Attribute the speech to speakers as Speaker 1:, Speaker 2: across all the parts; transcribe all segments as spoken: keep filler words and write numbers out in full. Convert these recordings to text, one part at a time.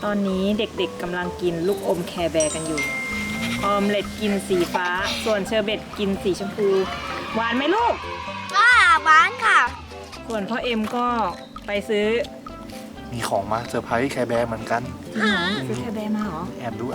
Speaker 1: ตอนนี้เด็กๆกำลังกินลูกอมแคร์แบร์กันอยู่ออมเล็ตกินสีฟ้าส่วนเชอร์เบตกินสีชมพูหวานไหมลูก
Speaker 2: ว้าหวานค่ะ
Speaker 1: ส่วนพ่อเอ็มก็ไปซื้อ
Speaker 3: มีของมาเซอร์ไพรส์แคร์แบร์เหมือนกัน
Speaker 1: ซื้อแคร์แบร์มาเหรอ
Speaker 3: แอบดูแอบ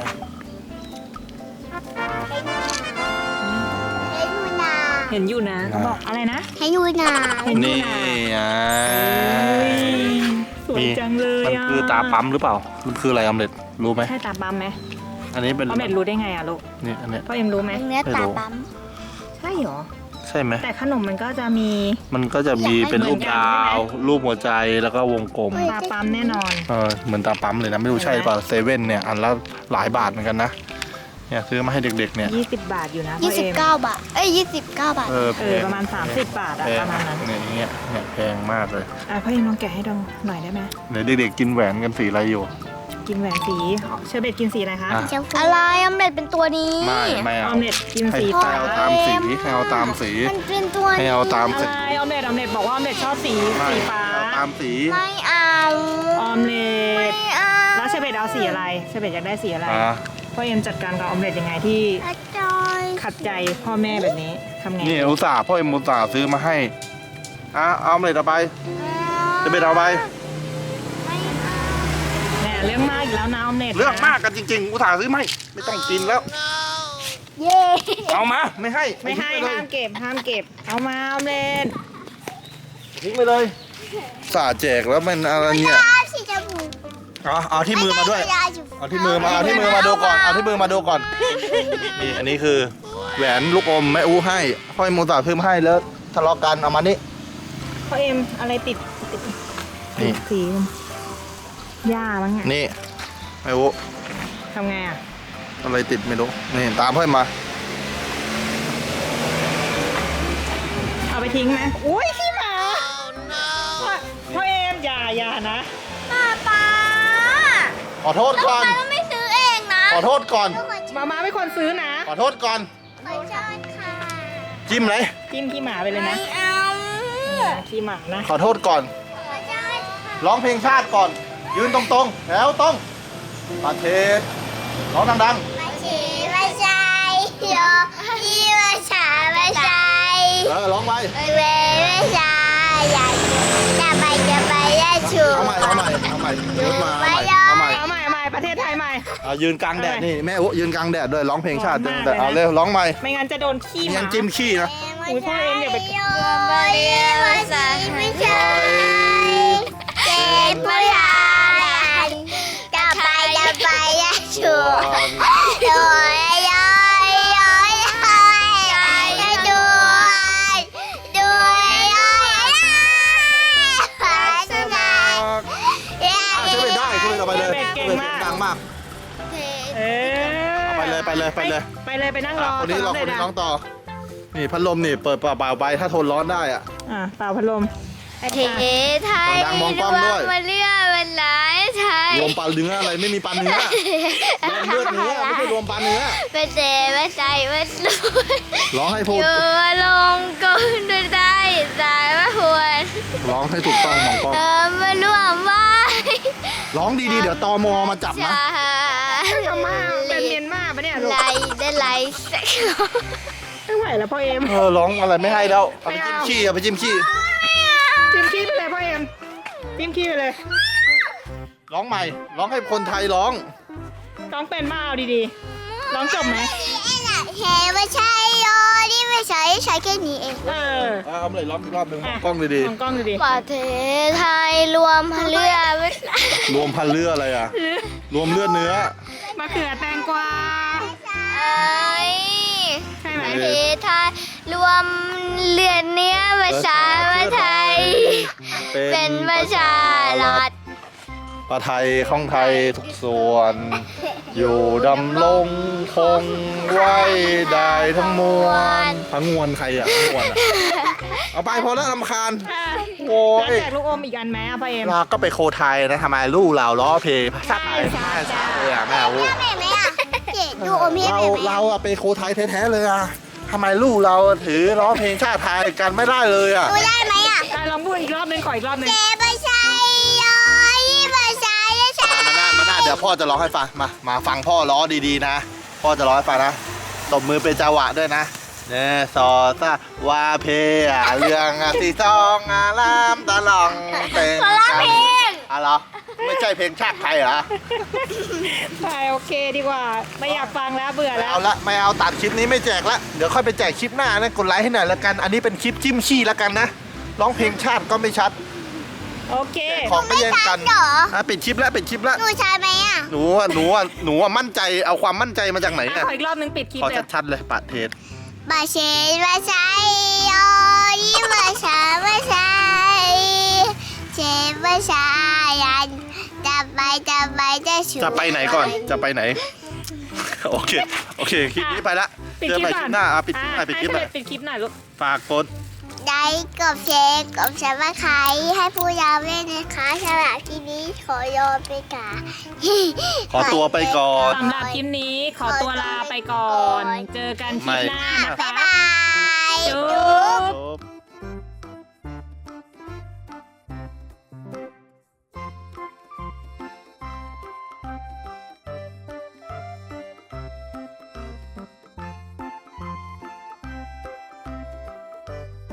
Speaker 2: ให้ดูนา
Speaker 1: เห็นอยู่นะเขาบอกอะไรนะ
Speaker 2: ให้ดูนา
Speaker 1: เห็นอยู่
Speaker 3: นี่
Speaker 1: นะ
Speaker 3: อ่ะ
Speaker 1: เฮ้ยสวยจังเลย
Speaker 3: มัน
Speaker 1: อ่ะ
Speaker 3: คือตาปั๊มหรือเปล่า มันคืออะไรออมเล็ตรู้ไหม
Speaker 1: ใช่ตาปั๊มไหม
Speaker 3: อันนี้เป็น
Speaker 1: ออมเล็ตรู้ได้ไงอ่ะลูก
Speaker 3: นี่อันเนี้ย
Speaker 1: พ่อเอ็มรู้ไหม
Speaker 2: เนื้อตาปั๊ม
Speaker 1: ใช่เหรอ
Speaker 3: ใช่ไหม
Speaker 1: แต่ขนมมันก็จะมี
Speaker 3: มันก็จะมีเป็นรูป
Speaker 1: เหมือนกัน
Speaker 3: ดา
Speaker 1: ใช่ไหม
Speaker 3: ว รูปหัวใจแล้วก็วงกลม
Speaker 1: ตาปั๊มแน่นอน
Speaker 3: เออเหมือนตาปั๊มเลยนะไม่รู้ใช่เปล่าเซเว่นเนี่ยอันละหลายบาทเหมือนกันนะเนี่ยซื้อมาให้เด็กๆเนี่ย
Speaker 1: ยี่สิบบาทอยู่นะพ่
Speaker 2: ยี่
Speaker 1: อ
Speaker 2: สิบ
Speaker 1: เอ็ม
Speaker 2: เก้าบาท เอ้ยยี่สิบเก้าบาท
Speaker 3: เออแพ
Speaker 1: เออง ประมาณสามสิบบาทอะ
Speaker 3: แพ
Speaker 1: ป
Speaker 3: ง
Speaker 1: ระมาณนั้น
Speaker 3: เนี่ยอย่างเงี้ยเนี่ยแพงมากเลย
Speaker 1: อ่ะพ่อเอ็มลองแกะให้ดูหน่อยได้ไหม
Speaker 3: เดี๋ยวเด็กๆกินแหวนกันสีอะไรอยู่
Speaker 1: กินแหวนสีเชอร์เบตกินสีอะไรคะ
Speaker 3: อ่ะ
Speaker 2: อะไรออมเล็ตเป็นตัวนี้
Speaker 3: ไม่ไม่
Speaker 1: อ
Speaker 3: เอา
Speaker 1: อมเล็ตกิน
Speaker 3: ให้
Speaker 1: สี
Speaker 3: ให้
Speaker 1: ฟ้า
Speaker 3: เอาตามสีให้เอาตามสี
Speaker 2: มันเป็นตัว
Speaker 3: ให้
Speaker 2: นี้
Speaker 3: เอาตามสี
Speaker 1: อะไรออมเล็ตออมเล็ตบอกว่าออมเล็ตชอบสี
Speaker 3: ไม่
Speaker 1: สีฟ้า
Speaker 3: เอาตามสี
Speaker 2: ไม่เอา
Speaker 1: ออมเล็
Speaker 2: ไม่
Speaker 1: ต
Speaker 2: เอา
Speaker 1: แล้วเชอร์เบตเอาสีอะไรเชอร์เบตอยากได้สีอะไร
Speaker 3: อ่ะ
Speaker 1: พ่อเอ็มจัดการกับออมเล็ตยังไงที่
Speaker 2: อาจารย์
Speaker 1: ขัดใจพ่อแม่แบบนี้ทำไง
Speaker 3: นี่อุตส่าห์พ่อเอ็มอุตส่าห์ซื้อมาให้อ่ะเอาเลยเอาไปจะไปเอาไป
Speaker 2: ไม่เอา
Speaker 1: แหมเรื่องมากอีกแล้วนะออมเล็ต
Speaker 3: เรื่องมากกันจริงๆอุตส่าห์ซื้อมาให้ไม่ต้องกินแล้ว
Speaker 2: เย้
Speaker 3: เอามาไม่ให้
Speaker 1: ไม่ให้
Speaker 3: ทิ้งปเลย
Speaker 1: ห้ามเก็บห้ามเก็บเอามาออมเล็ต
Speaker 3: ทิ้งไปเลยอุตส่าห์แจกแล้วมันอะไรเนี่ย
Speaker 2: ยาสีชมพู
Speaker 3: เอาเอาที่มือมาด้วย
Speaker 2: ยาสีชมพู
Speaker 3: เอาที่มือมาเอาที่มือมาดูก่อนเอาที่มือมาดูก่อนนี่อันนี้คือแหวนลูกอมแม่อู้ให้พ่อเอ็มอุตส่าห์ซื้อมาให้แล้วทะเลาะกันเอามานี่
Speaker 1: พ่อเอ็มอะไรติดติด
Speaker 3: นี่
Speaker 1: สีหญ้ามั้งไง
Speaker 3: นี่แม่อู้
Speaker 1: ทำไงอ่ะ
Speaker 3: อะไรติดไม่รู้นี่ตามพ่อเอ็มมา
Speaker 1: เอาไปทิ้งไหมอุ้ยขี้หมาพ่อพ่อเอ็มอย่าอย่านะ
Speaker 2: ป้าป้า
Speaker 3: ขอโทษ
Speaker 2: แล้ว
Speaker 3: ก่อน
Speaker 2: ทำไมเราไม่ซื้อเองนะ
Speaker 3: ขอโทษก่อน
Speaker 1: มามาไม่ควรซื้อนะ
Speaker 3: ขอโทษก่อน
Speaker 2: ขอโทษค่ะ
Speaker 3: จิ้มเลย
Speaker 1: จิ้มขี้หมาไปเลย
Speaker 2: ไม่
Speaker 1: นะ
Speaker 2: เอา
Speaker 1: ขี้หมานะ
Speaker 3: ขอโทษก่อน
Speaker 2: ขอโทษค่ะ
Speaker 3: ร้องเพลงชาติก่อน ยืนตรงๆแล้วต้องประเทศร้องดัง
Speaker 2: ไม่ใช่ไม่ใช่โยอีไม่ใช่ไม่ใช่
Speaker 3: ๆเออร้องไป
Speaker 2: ไม่ไม่ใช่อยากจะไปจะไปจะชู
Speaker 3: เอาใหม่เอาใหม่เอาใหม่ยกมาเอาใหม่เอาใหม่
Speaker 1: เอาใหม่เอาใหม่ประเทศไทยใหม่
Speaker 3: เอายืนกลางแดดนี่แม่อุ๊ยืนกลางแดดด้วยร้องเพลงชาติ
Speaker 1: ร้องมาก
Speaker 3: แต่เอา
Speaker 1: เลยนะ
Speaker 3: เร็วร้องใหม่
Speaker 1: ไม่งั้นจะโดนขี้ห
Speaker 3: ยั
Speaker 1: มาง
Speaker 3: จิ้มขี้นะ
Speaker 1: อุ๊ยพ่อเอ็มอย่าไป
Speaker 2: โยไม่ใช่ไม่ใช่เจ็บปวดจะไปจะไปจะชูโดยยอยยอยยอยดูดูยอยภาษา
Speaker 3: อ่ะช่วยไปได้ช่วยเอาไปเลยดังมาก
Speaker 1: เออ
Speaker 3: เอาไปเลยไปเลยไปเลย
Speaker 1: ไปเลยไปนั่งรอ
Speaker 3: คนนี้รอคนนี้ร้องต่อ นี่พัดลมนี่เปิดเปล่าๆไปถ้าทนร้อนได้อ่ะ
Speaker 1: อ่ะเป่าพัดลม
Speaker 2: ประเทศไทย
Speaker 3: ดังๆมองกล้องด้วย
Speaker 2: มาเลือกเป็นหลายไทย
Speaker 3: รวมปลาเนื้ออะไรไม่มีปลาเนื้อรวมเลือดเนื้อไม่ใช่รวมปลาเนื้อ
Speaker 2: เป็นเดไม่ใจไม่รู้
Speaker 3: ร้องให้พู
Speaker 2: อ
Speaker 3: ด
Speaker 2: ยู่ลงก็ด้วยได้สายว่าควร
Speaker 3: ร้องให้ถูกต้องมองกล้อง
Speaker 2: เธอมาร่วมไว้
Speaker 3: ร้องดีๆเดี๋ยวตมมาจับนะ
Speaker 1: ทำมาเป็นเมียนมาปะเนี่ยลูก
Speaker 2: ไล่ได้ไล่สัก
Speaker 1: ไม่ไหวแล้วพ่อเอ็ม
Speaker 3: เออร้องอะไรไม่ให้แล้วเอาไปจิ้มขี้เอาไปจิ้มขี้
Speaker 1: จิ้มขี้ไปเลยพ่อเอ็มจิ้มขี้ไปเลย
Speaker 3: ร้องใหม่ ร้องให้คนไทยร้อง
Speaker 1: ร้องเป็นมาเอาดีๆร้องจบไหม
Speaker 2: เฮ้ไม่ใช่โยนี่ไม่ใช่ใช้แค่นี้เอง
Speaker 1: เออ
Speaker 3: เอาเลยร้องอีกรอบหนึ่งมองกล้องดี
Speaker 1: มองกล้องดี
Speaker 2: ประเทศไทยรวมเลือดไว้
Speaker 3: ๆรวมพันเลือดอะไรอ่ะ รวมเลือดเนื้อ
Speaker 1: ๆมะเขือแตงกวา
Speaker 2: เอ้ย
Speaker 1: ใช่ไหม
Speaker 2: ประเทศไทยรวมเลือดเนื้อประชาไทย เป็นประชารัฐ
Speaker 3: ประไทยของไทยทุกส่วน อยู่ดำรงคงไว้ได้ทั้งมวลทั้งมวลใครอ่ะทั้งมวลอ่ะเอาไปพอแล้วรำคาญ โอ้ย
Speaker 1: แล้วแจกลูกอมอีกอันไหมอ่ะพ่อเอ็ม
Speaker 3: เราก็ไปโคไทยนะทำไมลูกเราล้อเพลงภาษาไทย
Speaker 1: ใช่
Speaker 3: ภา
Speaker 1: ใช่
Speaker 3: ษาเลยอ่ะแม่อู้
Speaker 2: แม่ไหมอ่ะเจ็ดดูอมให้
Speaker 3: เรา
Speaker 2: แม่ไหม
Speaker 3: เราอะไปโคไทยแท้ๆเลยอ่ะทำไมลูกเราถือล้อเพลงชาติไทยกันไม่ได้เลยอ่ะ
Speaker 2: ดูได้ไหมอ่ะ
Speaker 1: ได้ลองพูดอีกรอบหนึงขออีกรอบหนึง
Speaker 2: เจ็บประชาโยยี่ประชาชา
Speaker 3: มันน่ามันน่าเดี๋ยวพ่อจะร้องให้ฟังมามาฟังพ่อร้องดีๆนะพ่อจะร้องให้ฟังนะตบมือเป็นจังหวะด้วยนะเนซอซาวาเพอะเรื่องอะสีซองอารามตะลองเต็ง
Speaker 2: คนละเพลง
Speaker 3: อะเหรอไม่ใช่เพลงชาติไทยเหรอ
Speaker 1: ไปโอเคดีกว่า ไม่อยากฟังแล้วเบื่อ
Speaker 3: ไม่
Speaker 1: แล้ว
Speaker 3: เอาละไม่เอาตัดคลิปนี้ไม่แจกละเดี๋ยวค่อยไปแจกคลิปหน้านะกดไลค์ให้หน่อยละกัน อันนี้เป็นคลิปจิ้มชี้ละกันนะร้องเพลงชาติก็ไม่ชัด
Speaker 1: โอเค
Speaker 3: ของก็แย่งกัน
Speaker 2: เหรอ
Speaker 3: อ่ะปิดคลิปแล้วปิดคลิปแล้ว
Speaker 2: หนูใช่ไหมอ่ะ
Speaker 3: หนูอ่ะหนูอ่ะหนูอ่ะมั่นใจเอาความมั่นใจมาจากไหน
Speaker 1: อ่ะ
Speaker 3: อ่ะ
Speaker 1: ขออีกรอบนึงปิดคลิป
Speaker 3: ขอ
Speaker 1: เลย
Speaker 3: ชัดๆเลยปัดเทศ
Speaker 2: บาเชนบาใช้โอ้ยบาชาบาใช้เชนบาชายันจะไปจะไปจะชู
Speaker 3: จะไปไหนก่อนจะไปไหน โอเคโอเคคลิปนี้ไปละ
Speaker 1: ปิด
Speaker 3: เจอ
Speaker 1: คลิป
Speaker 3: ใหม่ค
Speaker 1: ก่อ
Speaker 3: ลิ
Speaker 1: น
Speaker 3: ปหน้าอ่ะปิดคลิปหน่อยปิดคลิปหน่อย
Speaker 1: ให้เสด็จปิดคลิปหน่อยลูก
Speaker 3: ฝากกด
Speaker 2: ได้กบเชนกบฉันมาขายให้ผู้ยาวเล่นนะคะสำหรับที่นี้ขอโยนไปก่อน
Speaker 3: ขอตัวไปก่อน
Speaker 1: สำหรับคลิปนี้ขอตัวลาไปก่อน เจอกันคลิปหน้านะ
Speaker 2: บ๊าย
Speaker 1: คะ
Speaker 2: บาย
Speaker 1: จุ๊บ
Speaker 3: จบ